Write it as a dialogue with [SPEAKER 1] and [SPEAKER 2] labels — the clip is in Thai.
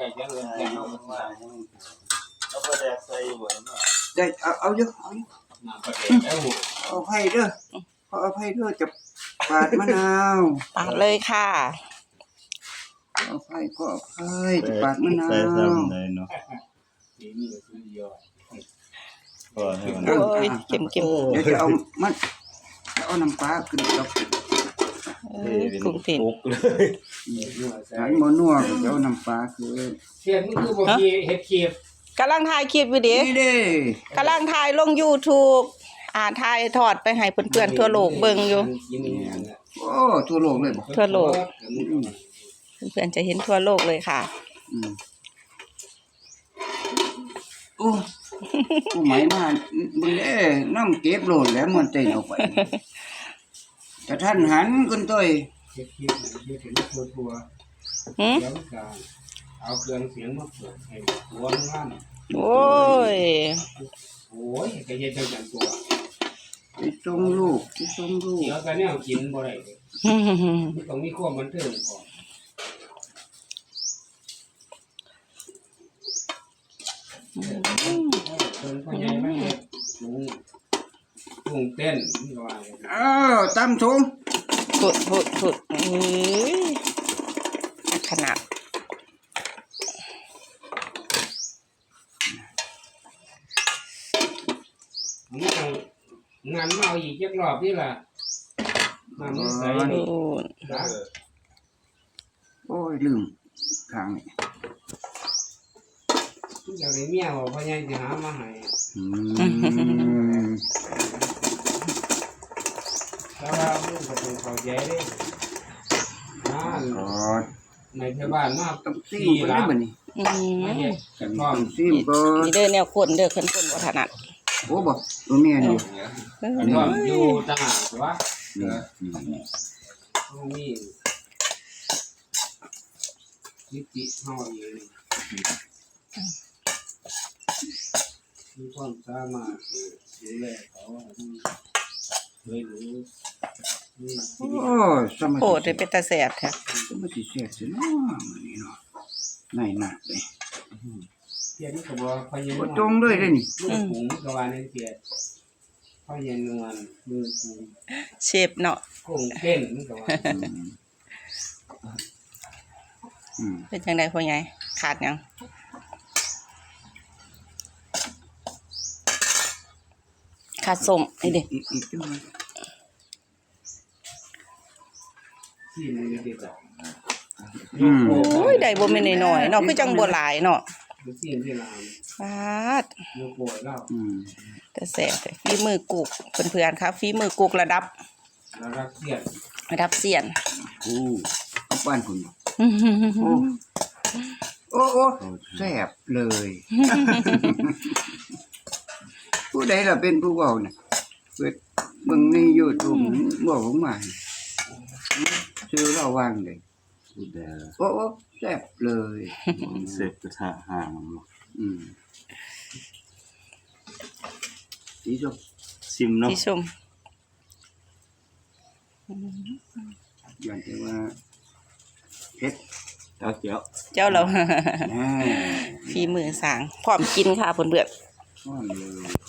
[SPEAKER 1] ก่จะเอินแก่เอามันมาแล้วก็แดกใส่หัวมา
[SPEAKER 2] ได้เอาเยอะเอาเยอะ
[SPEAKER 1] น้ำปลาแดกแล้ว
[SPEAKER 2] เอาไผ่เด้อเอาไผ่เด้อจะปาดมะนาว
[SPEAKER 3] ปาดเลยค่ะ
[SPEAKER 2] เอาไผ่ก็เอาไผ่จะปาดมะนาว
[SPEAKER 4] ใส่ซ้ำเลยเนาะ
[SPEAKER 1] นี่ก็คือยอด
[SPEAKER 4] พอให้มัน
[SPEAKER 3] โอ้ยเค็ม
[SPEAKER 2] เดี๋ยวจะเอามันเอาน้ำปลาขึ้นกับ
[SPEAKER 3] กุ้งเต้น
[SPEAKER 2] หายหมอนัวก็จะเอาน้ำปลาคือ
[SPEAKER 1] เทียนนี่คือบ่มีเฮ็ดเคียบ
[SPEAKER 3] กำลังถ่ายคลิปอยู่ดิ
[SPEAKER 2] นี่เด้
[SPEAKER 3] กำลังถ่ายลง YouTube ถ่ายทอดไปให้เพื่อนๆทั่วโลกเบิ่งอยู่
[SPEAKER 2] โอ้ทั่วโลกเลยบ่
[SPEAKER 3] ทั่วโลกเพื่อนๆจะเห็นทั่วโลกเลยค่ะ
[SPEAKER 2] โอ้ผู้หมายมามึงเด้น้ำเก็บโลดแล้วมันเต้นเอาไปแต่ท่านหันคนต้อย
[SPEAKER 1] เฮ็ดเคียบเฮ็ดเป็นทั่วแล้วก็เอาเครื่องเสียงมาเปิดให้หัวงาน
[SPEAKER 3] โอ้ย
[SPEAKER 1] ก็เฮ็ดจังตัว
[SPEAKER 2] ที่ส่งลูกที่ส่งลูก
[SPEAKER 1] เดี๋ยวก็แนวกินบ่ได้มันต้องมีความบันเทิงพอพ่อใหญ่มาเฮ็ดกุ้งเต้นนี่ว่า
[SPEAKER 2] ตำถุง
[SPEAKER 3] พุดขนาด
[SPEAKER 1] งานมาเอาอีกจักรอบนี่ล่ะมามื้อใส่
[SPEAKER 2] โอ้ยลืมข้างนี่
[SPEAKER 1] เดี๋ยวได้เมียบ่พ่อใหญ่สิหามาให้แต่ว่าลูกก็ต้องเข้าใจเด้ในเทศบาลมา
[SPEAKER 2] ต้องซีมบ่ได้บัดนี้
[SPEAKER 1] กันพร้อม
[SPEAKER 2] ซีมก็
[SPEAKER 3] นี่เด้อแนวคนเด้อคนบ่ถนัด
[SPEAKER 2] โอ้บ่ตัวเมียนี่
[SPEAKER 1] อันนี้อยู่ต่างหากว่านี่จิเฮาเองมีความสามารถดูแลเขาเคยรู้
[SPEAKER 3] โอ้ได้เป็นตาแสบแท้
[SPEAKER 2] มันสิแซ่บสิเนาะมื้อนี้เนาะในหนักเลย
[SPEAKER 1] เทียนก็บ่พยายาม
[SPEAKER 2] บ่ตรงเลยเด้นี่
[SPEAKER 1] หุงก็ว่าในเทียนพยายามนวลมือกู
[SPEAKER 3] เชฟเนาะ
[SPEAKER 1] กุ้งเต้นก็ว่า
[SPEAKER 3] เป็นจังได๋พ่อใหญ่ขาดหยังขาดส้มนี่เด้โอ้ยได้บ่แม่นน้อยๆเนาะคือจังบ่หลายเนาะฟาดแต่แซ่บฝีมือกุกเพื่อนๆครับฝีมือกุกระดับเซียน
[SPEAKER 2] โอ้เอาบ้านคุณโอ้แซ่บเลยผู้ใดล่ะเป็นผู้เว้าน่ะเปิดเบิ่งใน YouTube บอกผมมาชื่อเราวางเลยโอ้แซ่บเลย
[SPEAKER 4] เสร็จกระทะห่าง
[SPEAKER 2] สีส้ม
[SPEAKER 4] ชิมเนาะ
[SPEAKER 3] สีส้ม
[SPEAKER 2] อย่างที่ว่าเผ็ด
[SPEAKER 4] เจ้า
[SPEAKER 3] เราฝีมือสร้างพร้อมกินค่ะเพื่อนๆ